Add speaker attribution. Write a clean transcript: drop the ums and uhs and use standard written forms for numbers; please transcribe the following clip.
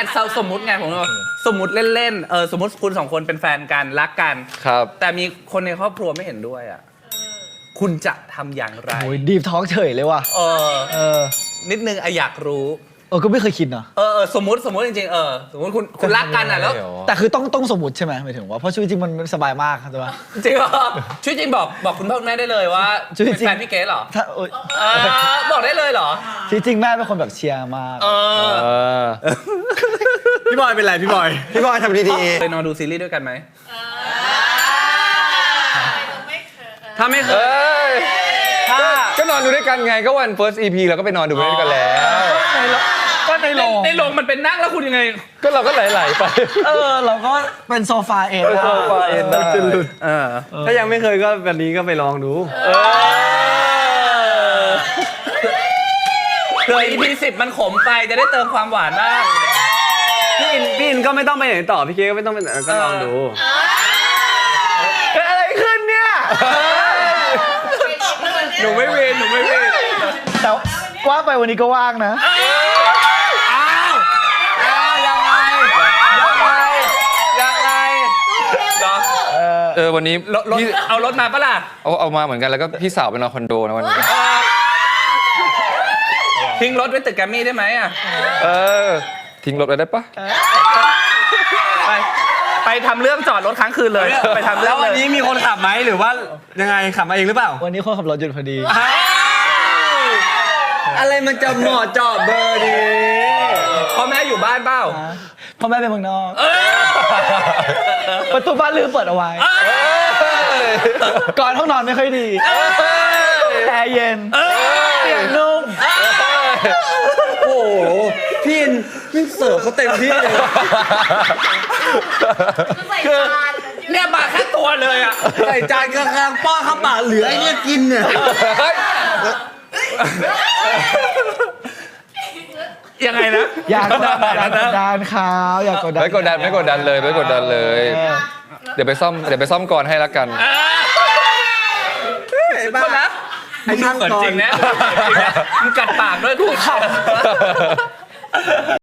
Speaker 1: สมมุติไงผมว่าสมมุติเล่นๆสมมุติคุณ2คนเป็นแฟนกันรักกัน
Speaker 2: ครับ
Speaker 1: แต่มีคนในครอบครัวไม่เห็นด้วยอ่ะคุณจะทำอย่างไร
Speaker 3: โอ้ยดีฟทอล์กเฉยเลยว่ะ
Speaker 1: นิดนึงอยากรู้
Speaker 3: ก็ไม่เคยคิดเนาะ
Speaker 1: สมมุติจริงๆสมมุติคุณรักกันอ่ะแล้ว
Speaker 3: แต่คือต้องสมมติใช่ไหมหมายถึงว่าเพราะชีวิตจริงมันสบายมากใช่ปะ
Speaker 1: จริงเหรอชีวิตจริงบอกคุณพ่อคุณแม่ได้เลยว่าเป็นแฟนพี่เก๋เหรอบอกได้เลยเหรอ
Speaker 3: ชีวิตจริงแม่เป็นคนแบบเชียร์มาก
Speaker 4: พี่บอยเป็นไรพี่บอยทำดี
Speaker 1: ๆไปนอนดูซีรีส์ด้วยกันไหม
Speaker 4: ถ้าไม่เคย
Speaker 2: ก็นอนดูด้วยกันไงก็วัน first EP เราก็ไปนอนดูด้วยกันแล้ว
Speaker 3: ก็ใน
Speaker 1: โรงมันเป็นนั่งแล้วคุณยังไง
Speaker 2: ก็เราก็ไหลๆไป
Speaker 3: เราก็เป็นโซฟาเอง
Speaker 2: โซฟาเอง
Speaker 4: จะหลุดถ้ายังไม่เคยก็วันนี้ก็ไปลองดู
Speaker 1: เผื่อ EP 10มันขมไปจะได้เติมความหวานบ้าง
Speaker 4: พี่อินก็ไม่ต้องไปไหนต่อพี่เค้ก็ไม่ต้องไปไหนก็ลองดู
Speaker 1: อะไรขึ้นเนี่ยหนูไม่เวน
Speaker 3: แต่ว่าไปวันนี้ก็ว่างนะ
Speaker 2: วันนี้
Speaker 1: เอารถมาปะล่ะ
Speaker 2: เอามาเหมือนกันแล้วก็พี่สาวไปนอนคอนโดนะวันนี้
Speaker 1: ทิ้งรถไว้ตึกแกรมมี่ได้ไหมอ่ะ
Speaker 2: ทิ้งรถไว้ได้ปะ
Speaker 1: ไปทำเรื่องจอดรถค้างคืนเลยไปทำเรื่
Speaker 4: แล้
Speaker 1: อง
Speaker 4: ววันนี้มีคนขับไหมหรือว่ายังไงขับมาเองหรือเปล่า
Speaker 3: วันนี้คนขับรถหยุดพอดี
Speaker 4: อะไรมันจะเหมาะเจาะเบอร์ดี
Speaker 1: พ่อแม่อยู่บ้านเปล่า
Speaker 3: พ่อแม่เป็นเมืองนอกประตูบ้านลืมเปิดเอาไว้ก่อนห้องนอนไม่ค่อยดีแอร์เย็นเตียงนุ่ม
Speaker 4: โอ้โหพี่อินพี่เสิร์ฟเขาเต็มที่เลย
Speaker 1: คือเนี่ยมาแค่ตัวเลยอ่ะ
Speaker 4: ใส่จานกลางๆป้อนข้าวปากเหลือไอ้เนี่ยกินเนี่ย
Speaker 1: ยังไงนะ
Speaker 3: อยากกดดันเขาอยากกดดัน
Speaker 2: ไม่กดดันเลยเดี๋ยวไปซ่อมก่อนให้ละกัน
Speaker 1: คนนะไอ้ช่างจริงนะมึงกัดปากด้วยกู